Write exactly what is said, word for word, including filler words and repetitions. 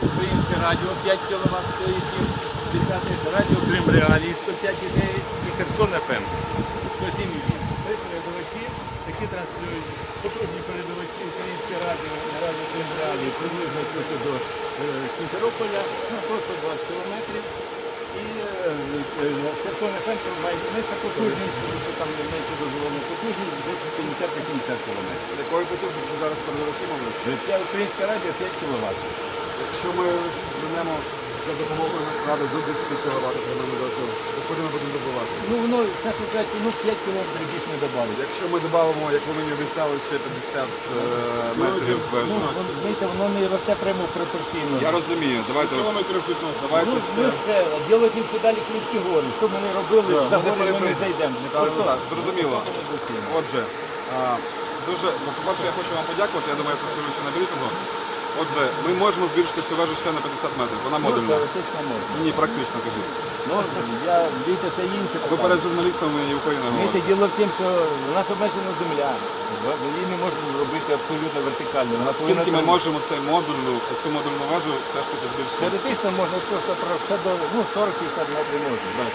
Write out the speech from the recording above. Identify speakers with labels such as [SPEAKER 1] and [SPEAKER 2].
[SPEAKER 1] Українське радіо п'ять кіловат стоїть, десяте радіо Крим Реалії сто п'ять і дев'ять і Херсон еф ем сто сім і вісім. Три передавачі, які транслюють потужні передавачі Українське радіо, радіо Крим Реалії, приблизно тут до е, Сімферополя, ну, просто двадцять кілометрів. І Херсон еф ем має менше потужність, що там менше дозволена потужність, десь п'ятдесят на сімдесят кілометрів.
[SPEAKER 2] Якої потужності зараз передавачі мовлять?
[SPEAKER 1] Це Українське радіо п'ять кіловат.
[SPEAKER 2] Якщо ми звернемо за допомогою ради до десять кіловат, куди ми будемо добувати?
[SPEAKER 1] Ну воно, чесно кажучи, ну п'ять кілометрів більше не додали.
[SPEAKER 2] Якщо ми додамо, як ви мені обіцяли, ще п'ятдесят е, метрів
[SPEAKER 1] Ну,
[SPEAKER 2] вежу.
[SPEAKER 1] знаєте, воно не росте прямо пропорційно.
[SPEAKER 2] Я розумію, давайте,
[SPEAKER 3] Кілометрів п'ятнадцять.
[SPEAKER 2] давайте
[SPEAKER 1] Ну,
[SPEAKER 2] це.
[SPEAKER 1] ми все, ділять їм ще далі Кримські гори. Що ми не робили,
[SPEAKER 2] Да,
[SPEAKER 1] за
[SPEAKER 2] ми не
[SPEAKER 1] гори ми не
[SPEAKER 2] переприйдемо.
[SPEAKER 1] зайдемо. Не
[SPEAKER 2] Так,
[SPEAKER 1] просто.
[SPEAKER 2] так, зрозуміло.
[SPEAKER 1] Це недоцільно.
[SPEAKER 2] Отже, а, дуже, ну, по-перше, я хочу вам подякувати, я думаю, я повторюю ще на брифінгу. Отже, ми можемо збільшити цю вежу ще на п'ятдесят метрів, вона
[SPEAKER 1] Ну,
[SPEAKER 2] модульна.
[SPEAKER 1] теоретично можна.
[SPEAKER 2] Ні, практично, кажіть.
[SPEAKER 1] Ну, я, дивіться, це інше
[SPEAKER 2] Ви
[SPEAKER 1] питання.
[SPEAKER 2] перед журналістами і Україною
[SPEAKER 1] Знаєте,
[SPEAKER 2] говорите.
[SPEAKER 1] діло в тім, що у нас обмежена земля. Її не можна зробити абсолютно вертикально. Вона повинна
[SPEAKER 2] Скільки ми
[SPEAKER 1] бути-
[SPEAKER 2] можемо цей модульну, цю модульну вежу все ж таки збільшити?
[SPEAKER 1] Теоретично можна просто про все до ну, сорок п'ятдесят метрів можна.